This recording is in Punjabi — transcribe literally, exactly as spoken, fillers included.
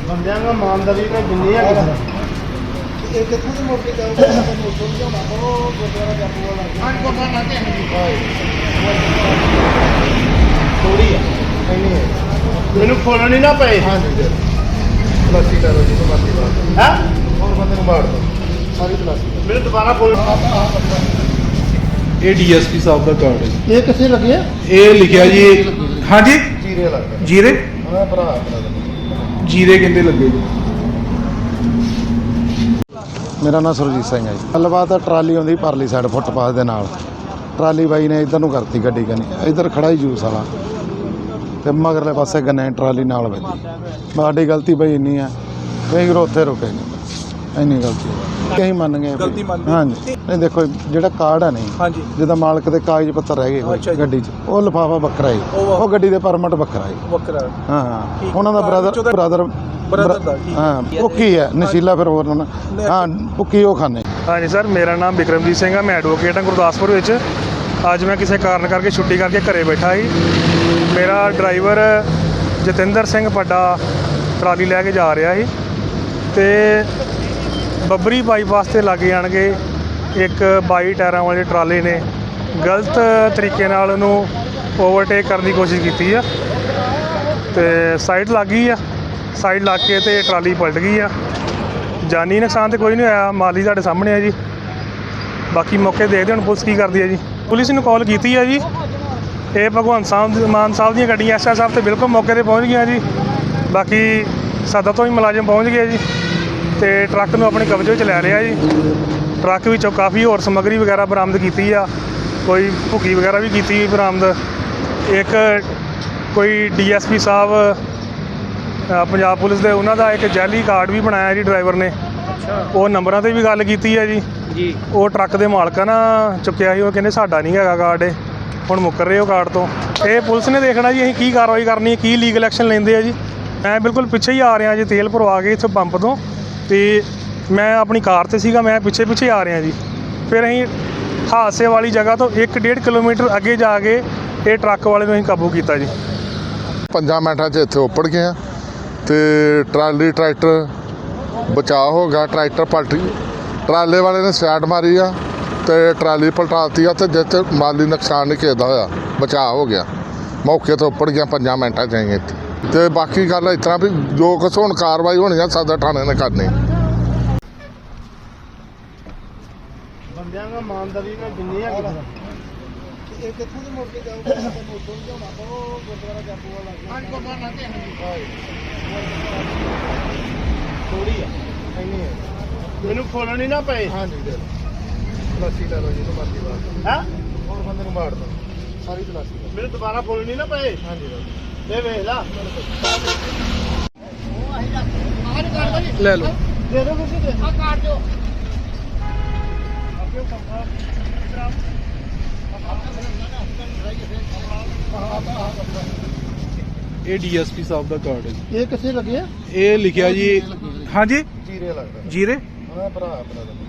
ਬੰਦਿਆਂ ਦਾ ਇਮਾਨਦਾਰੀ ਨਾਲ ਜਿੰਨੀ ਹੈ ਇਹ ਕਿੱਥੋਂ ਦੀ ਮੋਟੀ ਜਾਊਗਾ ਮੈਨੂੰ ਉੱਥੋਂ ਦੀ ਜਾਣਾ ਉਹ ਗੁਰਦੁਆਰਾ ਜਾਪੂ ਵਾਲਾ ਹਾਂ ਗੁਰਦੁਆਰਾ ਨਾ ਤੇ ਥੋੜੀ ਆ ਨਹੀਂ ਹੈ ਮੈਨੂੰ ਖੋਲਣ ਨਹੀਂ ਨਾ ਪਏ ਹਾਂ ਜੀ ਪਲਾਸਟਿਕ ਦਾ ਜੀ ਤੋਂ ਬਾਕੀ ਬਾਤ ਹੈ ਹੋਰ ਬੰਦੇ ਨੂੰ ਮਾਰ ਦੋ ਸਾਰੀ ਪਲਾਸਟਿਕ ਮੈਨੂੰ ਦੁਬਾਰਾ ਖੋਲ ਇਹ ਡੀਐਸਪੀ ਸਾਹਿਬ ਦਾ ਕਾਰਡ ਹੈ ਜੀ। ਇਹ ਕਿੱਥੇ ਲੱਗਿਆ ਇਹ ਲਿਖਿਆ ਜੀ ਹਾਂਜੀ ਜੀਰੇ ਲੱਗਦਾ ਜੀਰੇ ਹਾਂ ਭਰਾ ਆਪਣਾ ਜੀਰੇ ਕਿੰਨੇ ਲੱਗੇ ਜੀ? ਮੇਰਾ ਨਾਮ ਸੁਰਜੀਤ ਸਿੰਘ ਹੈ ਜੀ। ਗੱਲਬਾਤ ਆ ਟਰਾਲੀ ਆਉਂਦੀ ਪਰਲੀ ਸਾਈਡ ਫੁੱਟਪਾਥ ਦੇ ਨਾਲ ਟਰਾਲੀ ਬਾਈ ਨੇ ਇੱਧਰ ਨੂੰ ਕਰਤੀ ਗੱਡੀ ਕਨੀ ਇੱਧਰ ਖੜਾ ਹੀ ਜੂਸ ਵਾਲਾ ਤੇ ਮਗਰਲੇ ਪਾਸੇ ਗੰਨੇ ਟਰਾਲੀ ਨਾਲ ਵੱਜੀ ਸਾਡੀ ਗਲਤੀ ਬਾਈ ਇੰਨੀ ਆ ਕਈ ਵਾਰ ਉੱਥੇ ਰੁਕੇ ਨਹੀਂ ਇੰਨੀ ਗਲਤੀ ਕਹੀਂ ਮੰਨ ਗਏ ਗਲਤੀ ਮੰਨ ਲਈ। ਹਾਂਜੀ ਨਹੀਂ ਦੇਖੋ ਜਿਹੜਾ ਕਾਰਡ ਹੈ ਨਹੀਂ ਹਾਂਜੀ ਜਿਹਦਾ ਮਾਲਕ ਦੇ ਕਾਗਜ਼ ਪੱਤਰ ਰਹਿ ਗਏ ਅੱਛਾ ਕੋਈ ਜੀ। ਗੱਡੀ 'ਚ ਉਹ ਲਿਫਾਫਾ ਵੱਖਰਾ ਹੈ ਉਹ ਉਹ ਗੱਡੀ ਦੇ ਪਰਮਿਟ ਵੱਖਰਾ ਹੈ ਵੱਖਰਾ ਹਾਂ ਹਾਂ ਠੀਕ। ਉਹਨਾਂ ਦਾ ਕਾਰ ਬ੍ਰਦਰ ਵਿੱਚੋਂ ਤਾਂ- ਬ੍ਰਦਰ ਬ੍ਰਦਰ ਦਾ ਠੀਕ। ਹਾਂ ਭੁੱਕੀ ਹੈ ਨਸ਼ੀਲਾ ਫਿਰ ਹੋਰ ਨਾ ਹਾਂ ਭੁੱਕੀ ਉਹ ਖਾਣੇ ਹਾਂਜੀ ਸਰ, ਮੇਰਾ ਨਾਮ ਬਿਕਰਮਜੀਤ ਸਿੰਘ ਹੈ। ਮੈਂ ਐਡਵੋਕੇਟ ਹਾਂ ਗੁਰਦਾਸਪੁਰ ਵਿੱਚ। ਅੱਜ ਮੈਂ ਕਿਸੇ ਕਾਰਨ ਕਰਕੇ ਛੁੱਟੀ ਕਰਕੇ ਘਰੇ ਬੈਠਾ ਸੀ। ਮੇਰਾ ਡਰਾਈਵਰ ਜਤਿੰਦਰ ਸਿੰਘ ਪੱਡਾ ਟਰਾਲੀ ਲੈ ਕੇ ਜਾ ਰਿਹਾ ਸੀ ਤੇ ਬੱਬਰੀ ਬਾਈਪਾਸ 'ਤੇ ਲੱਗ ਜਾਣਗੇ ਇੱਕ ਬਾਈ ਟਾਇਰਾਂ ਵਾਲੇ ਟਰਾਲੇ ਨੇ ਗਲਤ ਤਰੀਕੇ ਨਾਲ ਉਹਨੂੰ ਓਵਰਟੇਕ ਕਰਨ ਦੀ ਕੋਸ਼ਿਸ਼ ਕੀਤੀ ਆ ਤੇ ਸਾਈਡ ਲੱਗ ਗਈ ਆ। ਸਾਈਡ ਲੱਗ ਕੇ ਤੇ ਟਰਾਲੀ ਪਲਟ ਗਈ ਆ। ਜਾਨੀ ਨੁਕਸਾਨ ਤੇ ਕੋਈ ਨਹੀਂ ਹੋਇਆ, ਮਾਲੀ ਤੁਹਾਡੇ ਸਾਹਮਣੇ ਆ ਜੀ। ਬਾਕੀ ਮੌਕੇ ਦੇਖਦੇ ਹੁਣ ਪੁਲਿਸ ਕੀ ਕਰਦੀ ਹੈ ਜੀ। ਪੁਲਿਸ ਨੂੰ ਕਾਲ ਕੀਤੀ ਆ ਜੀ। ਇਹ ਭਗਵੰਤ ਸਾਹਿਬ ਮਾਨ ਸਾਹਿਬ ਦੀਆਂ ਗੱਡੀਆਂ ਐਸ ਐਸ ਸਾਹਿਬ ਤੇ ਬਿਲਕੁਲ ਮੌਕੇ ਤੇ ਪਹੁੰਚ ਗਈਆਂ ਜੀ। ਬਾਕੀ ਸਦਰ ਤੋਂ ਵੀ ਮੁਲਾਜ਼ਮ ਪਹੁੰਚ ਗਏ ਜੀ ਤੇ ਟਰੱਕ ਨੂੰ ਆਪਣੇ ਕਬਜ਼ੇ ਵਿੱਚ ਲੈ ਲਿਆ ਜੀ। ਟਰੱਕ ਵਿੱਚੋਂ ਕਾਫੀ ਹੋਰ ਸਮੱਗਰੀ ਵਗੈਰਾ ਬਰਾਮਦ ਕੀਤੀ ਆ, ਕੋਈ ਭੁੱਕੀ ਵਗੈਰਾ ਵੀ ਕੀਤੀ ਬਰਾਮਦ। ਇੱਕ ਕੋਈ ਡੀ ਐਸ ਪੀ ਸਾਹਿਬ ਅ, ਪੰਜਾਬ ਪੁਲਿਸ ਦੇ ਉਹਨਾਂ ਦਾ ਇੱਕ ਜੈਲੀ ਕਾਰਡ ਵੀ ਬਣਾਇਆ ਜੀ ਡਰਾਈਵਰ ਨੇ। ਉਹ ਨੰਬਰਾਂ 'ਤੇ ਵੀ ਗੱਲ ਕੀਤੀ ਹੈ ਜੀ ਜੀ ਉਹ ਟਰੱਕ ਦੇ ਮਾਲਕਾਂ ਨਾਲ ਚੁੱਕਿਆ ਸੀ, ਉਹ ਕਹਿੰਦੇ ਸਾਡਾ ਨਹੀਂ ਹੈਗਾ ਕਾਰਡ, ਇਹ ਹੁਣ ਮੁੱਕਰ ਰਹੇ ਉਹ ਕਾਰਡ ਤੋਂ। ਇਹ ਪੁਲਿਸ ਨੇ ਦੇਖਣਾ ਜੀ ਅਸੀਂ ਕੀ ਕਾਰਵਾਈ ਕਰਨੀ ਹੈ, ਕੀ ਲੀਗਲ ਐਕਸ਼ਨ ਲੈਂਦੇ ਆ ਜੀ। ਮੈਂ ਬਿਲਕੁਲ ਪਿੱਛੇ ਹੀ ਆ ਰਿਹਾ ਜੀ ਤੇਲ ਭਰਵਾ ਕੇ ਇੱਥੋਂ ਪੰਪ ਤੋਂ, ਅਤੇ ਮੈਂ ਆਪਣੀ ਕਾਰ 'ਤੇ ਸੀਗਾ, ਮੈਂ ਪਿੱਛੇ ਪਿੱਛੇ ਆ ਰਿਹਾ ਜੀ। ਫਿਰ ਅਸੀਂ ਹਾਦਸੇ ਵਾਲੀ ਜਗ੍ਹਾ ਤੋਂ ਇੱਕ ਡੇਢ ਕਿਲੋਮੀਟਰ ਅੱਗੇ ਜਾ ਕੇ ਇਹ ਟਰੱਕ ਵਾਲੇ ਨੂੰ ਅਸੀਂ ਕਾਬੂ ਕੀਤਾ ਜੀ। ਪੰਜਾਂ ਮਿੰਟਾਂ 'ਚ ਇੱਥੇ ਉੱਪੜ ਗਏ ਅਤੇ ਟਰਾਲੀ ਟਰੈਕਟਰ ਬਚਾਅ ਹੋ ਗਿਆ। ਟਰੈਕਟਰ ਪਲਟ ਟਰਾਲੇ ਵਾਲੇ ਨੇ ਸਾਈਡ ਮਾਰੀ ਆ ਅਤੇ ਟਰਾਲੀ ਪਲਟਾਤੀ ਆ ਅਤੇ ਜਿਸ 'ਚ ਮਾਲੀ ਨੁਕਸਾਨ ਨਹੀਂ ਕਿਸੇ ਦਾ ਹੋਇਆ, ਬਚਾਅ ਹੋ ਗਿਆ। ਮੌਕੇ ਤੋਂ ਉੱਪੜ ਗਿਆ ਪੰਜਾਂ ਮਿੰਟਾਂ 'ਚ ਆਈ ਇੱਥੇ। ਅਤੇ ਬਾਕੀ ਗੱਲ ਇਸ ਤਰ੍ਹਾਂ ਵੀ ਜੋ ਕੁਛ ਹੁਣ ਕਾਰਵਾਈ ਹੋਣੀ ਆ ਸਦਰ ਥਾਣੇ ਨੇ ਕਰਨੀ। ਬੰਦਿਆਂ ਦਾ ਇਮਾਨਦਾਰੀ ਨਾਲ ਜਿੰਨੀ ਹੈ ਇਹ ਕਿੱਥੋਂ ਦੀ ਮੋਟੀ ਜਾਊਗਾ ਮੈਨੂੰ ਉੱਥੋਂ ਦੀ ਜਾਣਾ ਉਹ ਗੁਰਦੁਆਰਾ ਜਾਪੂ ਵਾਲਾ ਹਾਂ ਗੁਰਦੁਆਰਾ ਨਾ ਤੇ ਥੋੜੀ ਆ ਨਹੀਂ ਹੈ ਮੈਨੂੰ ਖੋਲਣ ਨਹੀਂ ਨਾ ਪਏ ਹਾਂ ਜੀ ਪਲਾਸਟਿਕ ਦਾ ਜੀ ਤੋਂ ਬਾਕੀ ਬਾਤ ਹੈ ਹੋਰ ਬੰਦੇ ਨੂੰ ਮਾਰ ਦੋ ਸਾਰੀ ਪਲਾਸਟਿਕ ਮੈਨੂੰ ਦੁਬਾਰਾ ਖੋਲਣ ਨਹੀਂ ਨਾ ਪਏ ਹਾਂ ਜੀ ਇਹ ਵੇਖ ਲਾ ਲੈ ਲਓ। ਦੇ ਦਿਓ ਤੁਸੀਂ ਦੇ ਆ ਕਾਟ ਦਿਓ ਇਹ ਡੀਐਸਪੀ ਸਾਹਿਬ ਦਾ ਕਾਰਡ ਹੈ ਜੀ। ਇਹ ਕਿੱਥੇ ਲੱਗਿਆ ਇਹ ਲਿਖਿਆ ਜੀ ਹਾਂਜੀ ਜੀਰੇ ਲੱਗਦਾ ਜੀਰੇ ਹਾਂ ਭਰਾ ਆਪਣਾ